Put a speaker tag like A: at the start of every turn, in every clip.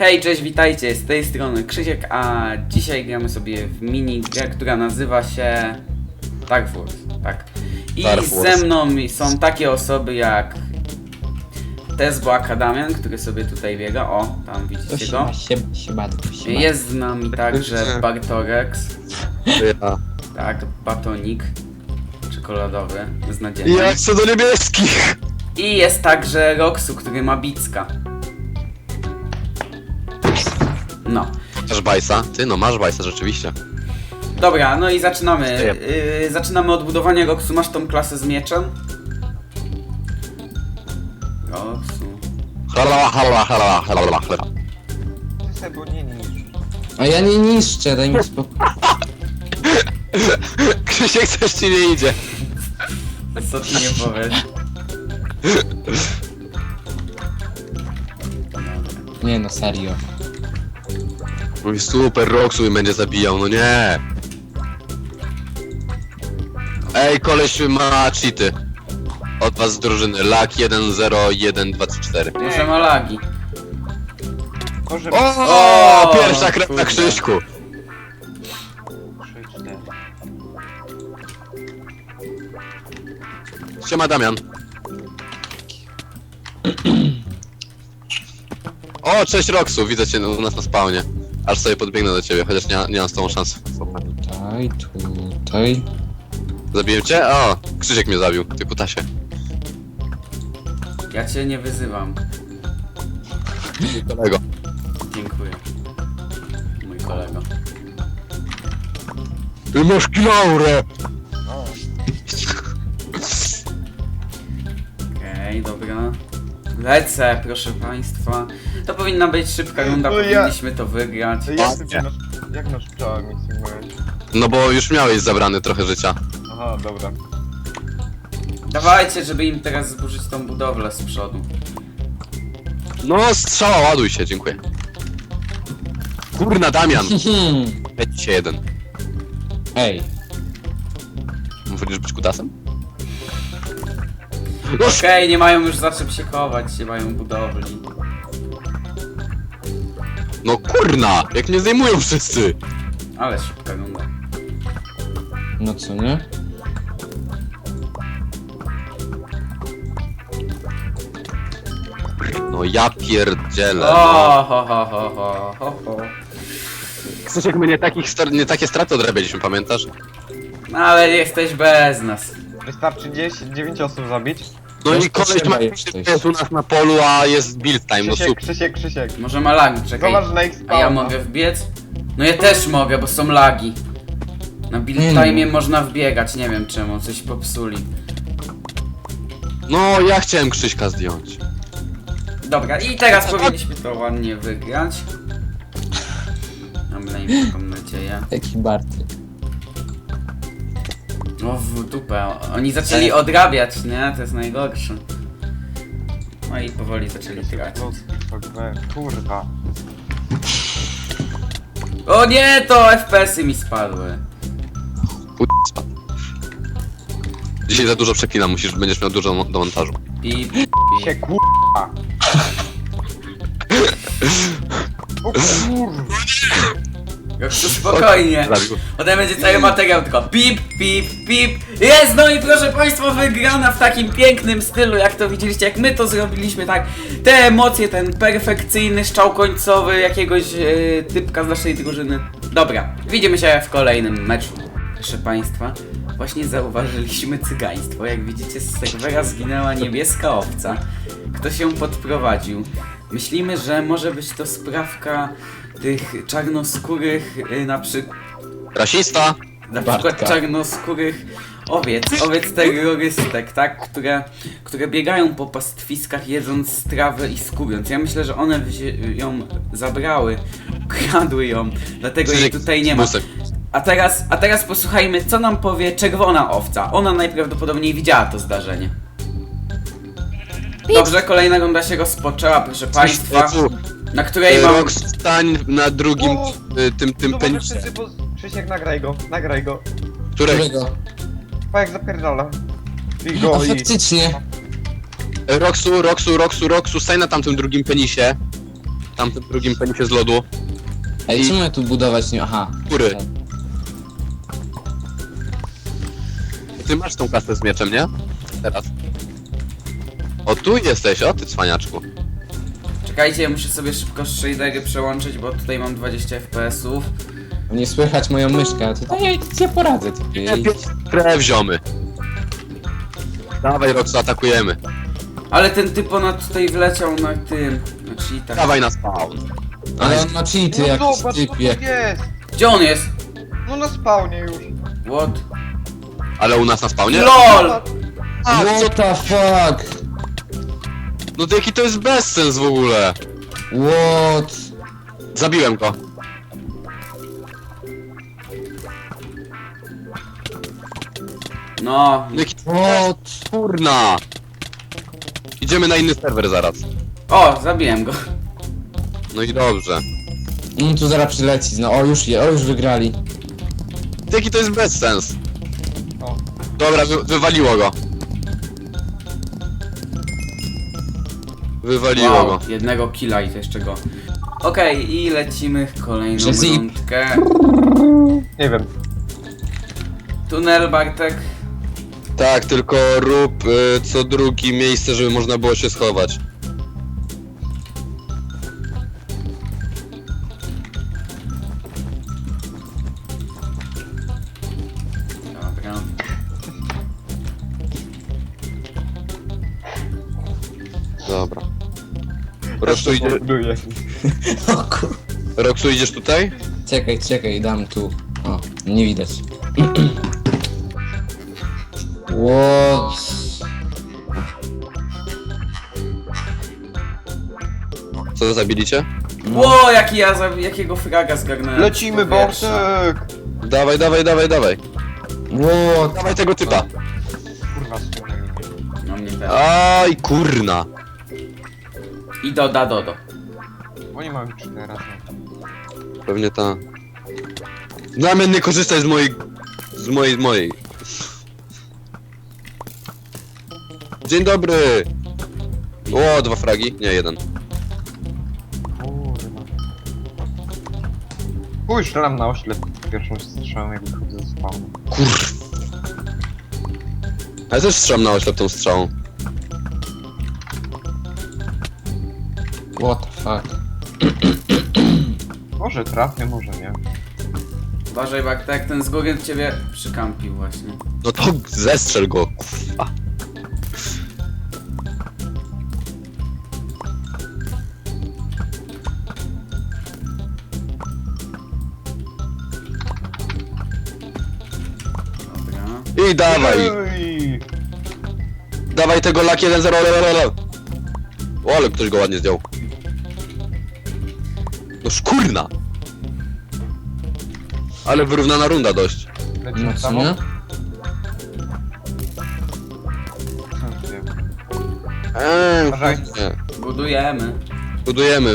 A: Hej, cześć, witajcie, z tej strony Krzysiek, a dzisiaj gramy sobie w minigrę, która nazywa się Dark Force, tak. I
B: Dark Force.
A: ze mną są takie osoby jak Tesbo Akadamian, który sobie tutaj biega, o, tam widzicie go.
C: Siema.
A: Jest z nami także Bartorex,
B: Ja.
A: tak, batonik czekoladowy, beznadziejny.
B: Ja chcę do niebieskich!
A: I jest także Roxu, który ma bicka. No.
B: Masz bajsa? Ty no masz bajsa rzeczywiście.
A: Dobra, no i zaczynamy. Zaczynamy od budowania Roxu. Masz tą klasę z mieczem? Roxu.
D: Ty se go nie niszcz.
C: A ja nie niszczę, daj mi spokój.
B: Krzysiek coś ci nie idzie.
A: Co ty nie powiesz?
C: Nie no, serio.
B: Mój super Roxu i będzie zabijał, no nie. Ej, koleś ma cheaty. Od was z drużyny. Lak 1, 0, 1, 2, 3, 4.
A: Może ma lagi.
D: Może
B: O, pierwsza krew na
A: kurde.
B: Krzyśku.
D: 3, 4.
B: Siema Damian. O, cześć Roxu, widzę cię u nas na spawnie. Aż sobie podbiegnę do ciebie, chociaż nie mam z tą szansy.
C: Tutaj.
B: Zabiłem cię? O, Krzysiek mnie zabił, ty kutasie.
A: Ja cię nie wyzywam.
B: Kolego.
A: Dziękuję. Mój kolego.
B: Ty masz kilaurę!
D: No.
A: Okej, dobra. Lecę, proszę państwa. To powinna być szybka runda,
D: No ja-
A: powinniśmy to wygrać.
D: To jak nasz pszczoła mi symuluje?
B: No bo już miałeś zabrany trochę życia.
D: Aha, dobra.
A: Dawajcie, żeby im teraz zburzyć tą budowlę z przodu.
B: No strzała, ładuj się, dziękuję. Kurna Damian! Leci się jeden.
C: Ej,
B: Wolisz być kutasem?
A: Okej, nie mają już za czym się chować, nie mają budowli.
B: No kurna! Jak mnie zdejmują wszyscy!
A: Ale szybka runda.
C: no co nie?
B: No ja pierdzielę.
A: O,
B: No.
A: ho.
B: Krzysiek, my nie takie straty odrabialiśmy, pamiętasz?
A: No ale jesteś bez nas.
D: Wystarczy 9 osób zabić.
B: No
C: Też
B: i koleś
C: potrzeba
B: ma
C: jesteś.
B: jest u nas na polu, a jest build time, no super.
D: Krzysiek.
A: Może ma lagi, czekaj.
D: Zobacz na ich
A: A
D: spawna.
A: ja mogę wbiec? No ja też mogę, bo są lagi. Na build
C: Nie
A: time
C: no.
A: można wbiegać, nie wiem czemu, coś popsuli.
B: No ja chciałem Krzyśka zdjąć.
A: Dobra, i teraz powinniśmy to ładnie wygrać. Mam taką nadzieję.
C: Taki Bartek.
A: O, w dupę. Oni zaczęli odrabiać, nie? To jest najgorsze. No i powoli zaczęli tracić.
D: Kurwa.
A: O nie, to FPS-y mi spadły.
B: Spadł. Dzisiaj za dużo przeklinam, będziesz miał dużo do montażu.
A: Pip,
D: Się
A: pip.
D: kurwa. O kurwa.
A: Roxu, spokojnie.
B: Zabił.
A: Potem będzie cały materiał tylko pip, pip, pip. Jest, no i proszę państwa, wygrana w takim pięknym stylu, jak to widzieliście, jak my to zrobiliśmy, tak. Te emocje, ten perfekcyjny strzał końcowy jakiegoś typka z naszej drużyny. Dobra, widzimy się w kolejnym meczu. Proszę państwa, właśnie zauważyliśmy cygaństwo. Jak widzicie, z serwera zginęła niebieska owca. Kto się podprowadził? Myślimy, że może być to sprawka tych czarnoskórych,
B: Rasista!
A: na przykład
C: Bartka.
A: czarnoskórych owiec terrorystek, tak? Które biegają po pastwiskach, jedząc trawę i skórując. Ja myślę, że one ją zabrały, kradły ją, dlatego jej
B: Krzysiek
A: tutaj
B: z
A: nie ma.
B: busem.
A: A teraz posłuchajmy, co nam powie czerwona owca. Ona najprawdopodobniej widziała to zdarzenie. Dobrze, kolejna runda się rozpoczęła, proszę państwa, na której mam...
B: Rox, stań na drugim
D: O!
B: tym
D: Zobacz,
B: penisie.
D: wszyscy Krzysiek, nagraj go.
B: Którego?
D: Pa jak zapierdala. I go
C: A
D: i...
C: faktycznie.
B: Roxu, stań na tamtym drugim penisie. tamtym drugim penisie z lodu.
C: Ej, czemu ja tu budować nie... Aha.
B: Góry. Ty masz tą kasę z mieczem, nie? Teraz. O, tu jesteś, o ty cwaniaczku.
A: Czekajcie, ja muszę sobie szybko shadery przełączyć, bo tutaj mam 20 FPS-ów.
C: Nie słychać moją myszkę, to ja nic nie poradzę, ty.
B: Krew ziomy. Dawaj, Roxu, atakujemy.
A: Ale ten typ ponad tutaj wleciał na tym, na cheatach.
B: Dawaj na spawn.
C: Ale on ma cheaty,
D: No
C: jakiś
D: zobacz, co tu
C: typie.
D: jest!
A: Gdzie on jest?
D: No na spawnie już.
A: What?
B: Ale u nas na spawnie?
A: LOL!
B: A, co?
C: What the fuck?
B: No to jaki to jest bezsens w ogóle?
C: What?
B: Zabiłem go.
A: No,
B: No jaki
C: What?
B: kurna. Idziemy na inny serwer zaraz.
A: o, zabiłem go.
B: No i dobrze.
C: No tu zaraz przyleci, no o już wygrali.
B: Jaki to jest bezsens?
D: O.
B: Dobra, wywaliło go. Wywaliło go.
A: Jednego killa i to jeszcze go. Okej, i lecimy w kolejną
C: Że zip.
A: rundkę.
D: Nie wiem.
A: Tunel, Bartek.
B: Tak, tylko rób co drugi miejsce, żeby można było się schować.
A: Dobra.
B: Dobra. Roxu,
D: Buduję.
C: O kur...
B: Roxu, idziesz tutaj?
C: Czekaj, dam tu. O, nie widać. What?
B: Co zabiliście?
A: Ło, jaki jakiego fraga zgarnąłem.
D: Lecimy,
A: z powietrza.
D: Bartek!
B: Dawaj.
C: What?
B: Dawaj tego typa.
D: Kurwa, słuchaj.
A: No mnie też.
B: Aj, kurna.
A: I dodo.
D: Oni mają 4 razy.
B: Pewnie ta. Damian, nie korzystaj z mojej. Dzień dobry. O, 2 fragi. Nie, 1.
D: Kurwa. Pójdź, strzelam na oślep pierwszą strzałą, jak wychodzę ze spawnu.
B: Kurw. Ja też strzelam na oślep tą strzałą.
C: What the fuck?
D: Może trafię, może nie.
A: Uważaj, Bartek, ten z góry ciebie przykampił właśnie.
B: No to zestrzel go, kurwa.
A: Dobra.
B: I dawaj.
D: Ej!
B: Dawaj tego lak 1-0. O, ale ktoś go ładnie zdjął. No szkurna. Ale wyrównana runda dość.
D: Lecimy
C: No co
D: samo?
C: nie?
D: Uważaj.
B: Nie.
A: Budujemy.
B: Budujemy.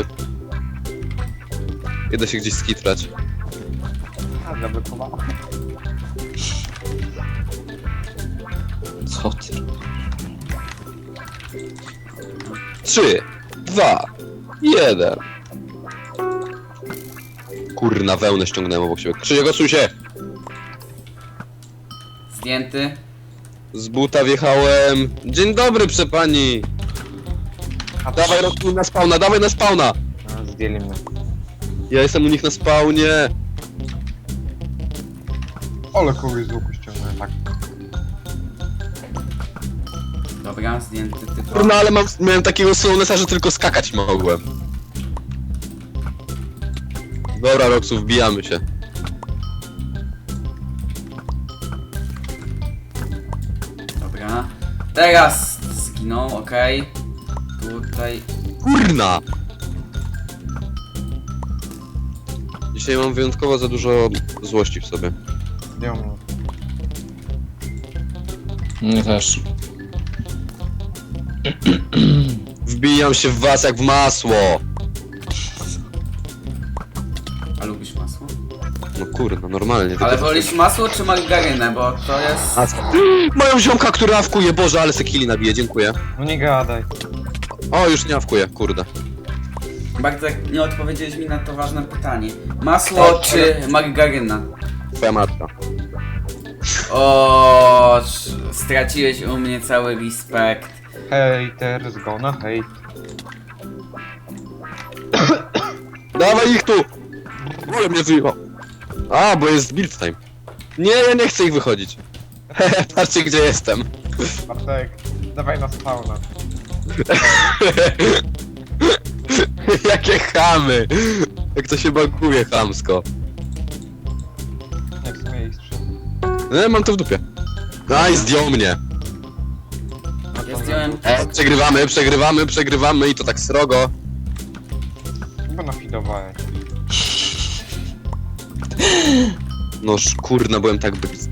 B: Idę się gdzieś skitrać.
D: A, zablokowała.
C: Co ty?
B: 3, 2, 1. Kurna, wełnę ściągnąłem obok siebie. Krzysiek, odsuń się!
A: Zdjęty.
B: Z buta wjechałem. Dzień dobry, przepani.
D: A
B: Dawaj, Roxu, na spawna, dawaj na spawna.
D: A, zdjęli mnie.
B: Ja jestem u nich na spawnie.
D: Ale kogoś z łuku ściągnąłem, tak.
A: Dobra, zdjęty typ.
B: Kurna, ale miałem takiego slownessa, że tylko skakać mogłem. Dobra, Roxu, wbijamy się.
A: Dobra. Teraz zginął, okej. Tutaj.
B: Kurna! Dzisiaj mam wyjątkowo za dużo złości w sobie.
D: Zdjął mnie.
C: Mnie też.
B: Wbijam się w was jak w masło.
A: A lubisz masło?
B: No kurna, normalnie.
A: Ale
B: tylko-
A: wolisz masło czy margarynę, bo to jest...
B: A, moją ziomka, która awkuje, Boże, ale se killi nabije, dziękuję.
D: No nie gadaj.
B: O, już nie awkuje, kurde.
A: Bartek, nie odpowiedziałeś mi na to ważne pytanie. Masło czy margaryna?
B: Twoja matka.
A: O, straciłeś u mnie cały respekt.
D: Haters gonna hate.
B: Dawaj ich tu! Ale mnie wyjechał. A, bo jest build time. Nie, ja nie chcę ich wychodzić. Patrzcie gdzie jestem.
D: Bartek, dawaj na spawna.
B: Jakie chamy! Jak to się baguje chamsko.
D: Nie, w sumie ich trzy.
B: No, mam to w dupie. No i zdjął mnie.
A: Ja zdjąłem...
B: Przegrywamy i to tak srogo.
D: Chyba nafidowałeś.
B: Noż kurna, byłem tak blisko.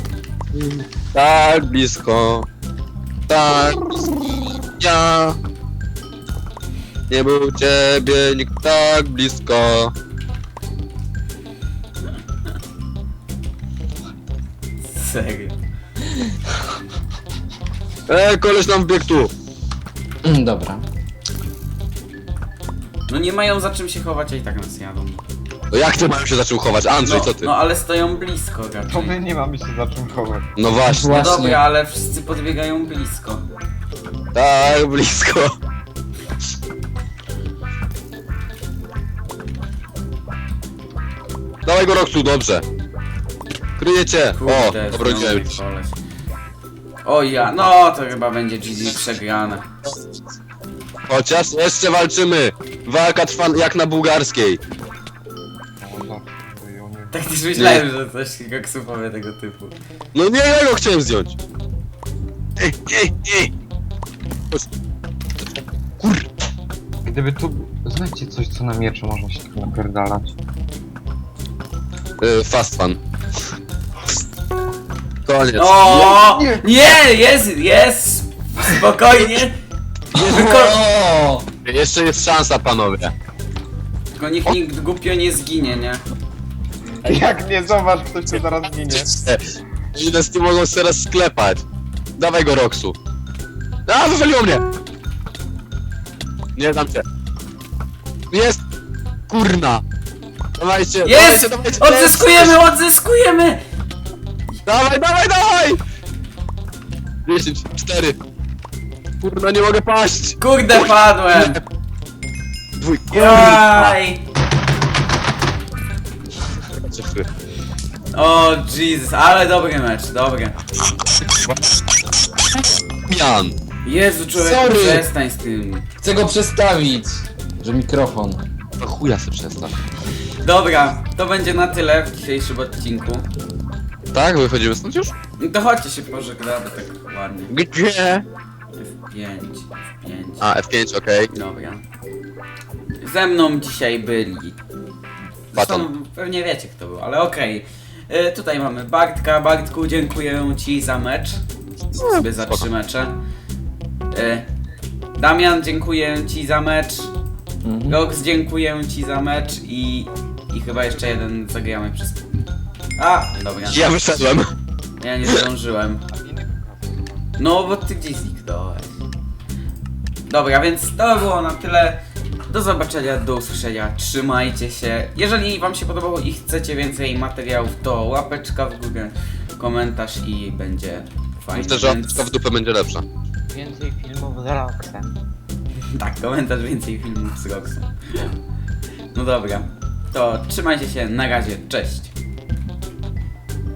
B: Tak blisko. Tak blisko. Ja. Nie był ciebie nikt tak blisko.
A: Serio.
B: Koleś nam wbiegł tu.
C: Dobra.
A: No nie mają za czym się chować, a i tak nas jadą.
B: No jak ty mają się za czym chować? Andrzej, co ty?
A: No ale stoją blisko
D: To
A: raczej.
D: my nie mamy się za czym chować.
B: No właśnie.
A: No
C: Właśnie.
A: dobra, ale wszyscy podbiegają blisko.
B: Tak blisko. Dawaj go Roxu, dobrze. Kryjecie. O,
A: Kurde,
B: dobro
A: znowu
B: dzień.
A: koleś. O ja, no to chyba będzie GG przegrane.
B: Chociaż jeszcze walczymy. Walka trwa jak na bułgarskiej.
D: No dobrze, i oni...
A: Tak też myślałem, że coś koksu powie tego typu.
B: No nie, ja go chciałem zdjąć. Ej. Chodź. Kur...
D: Gdyby tu... Znajdźcie coś, co na mieczu można się tak napierdalać.
B: Fast fun. Koniec.
A: O,
D: Nie.
A: nie, jest, spokojnie.
C: O!
B: Jeszcze jest szansa, panowie.
A: Tylko nikt głupio nie zginie, nie?
D: Jak nie zobacz, ktoś tu zaraz ginie.
B: Ile z tym mogą się teraz sklepać? Dawaj go, Roxu. A, wywaliło mnie! Nie dam cię. Jest! Kurna! Dawajcie,
A: Jest!
B: dawajcie!
A: Odzyskujemy!
B: Dawaj! 10, 4. Kurna, nie mogę paść!
A: Kurde, padłem!
B: Dwójka.
A: Jaj!
B: Czekaj.
A: O Jesus, ale dobry mecz, dobry.
B: Mian!
A: Jezu, człowieku,
C: Sorry.
A: przestań z tym.
C: Chcę go przestawić. Że mikrofon.
B: To chuja se przestaw.
A: Dobra, to będzie na tyle w dzisiejszym odcinku.
B: Tak? Wychodzimy stąd już?
A: No to chodźcie się pożegnamy tak ładnie.
B: Gdzie?
A: F5.
B: A, F5, okej.
A: Dobra. Ze mną dzisiaj byli.
B: Baton.
A: Zresztą pewnie wiecie kto był, ale okej. Tutaj mamy Bartka. Bartku, dziękuję ci za mecz. Sobie za
B: spoko.
A: 3 mecze. Damian, dziękuję ci za mecz. Rox, dziękuję ci za mecz i chyba jeszcze jeden zagramy przez... A, dobra.
B: Ja wyszedłem.
A: Ja nie zdążyłem. No, bo ty gdzieś zniknąłeś. Dobra, więc to było na tyle. Do zobaczenia, do usłyszenia. Trzymajcie się. Jeżeli wam się podobało i chcecie więcej materiałów, to łapeczka w górę, komentarz i będzie fajnie.
B: Myślę, że łapeczka w dupę będzie lepsza.
D: Więcej filmów z Roxem.
A: Tak, komentarz, więcej filmów z Roxem. No dobra, to trzymajcie się, na razie, cześć.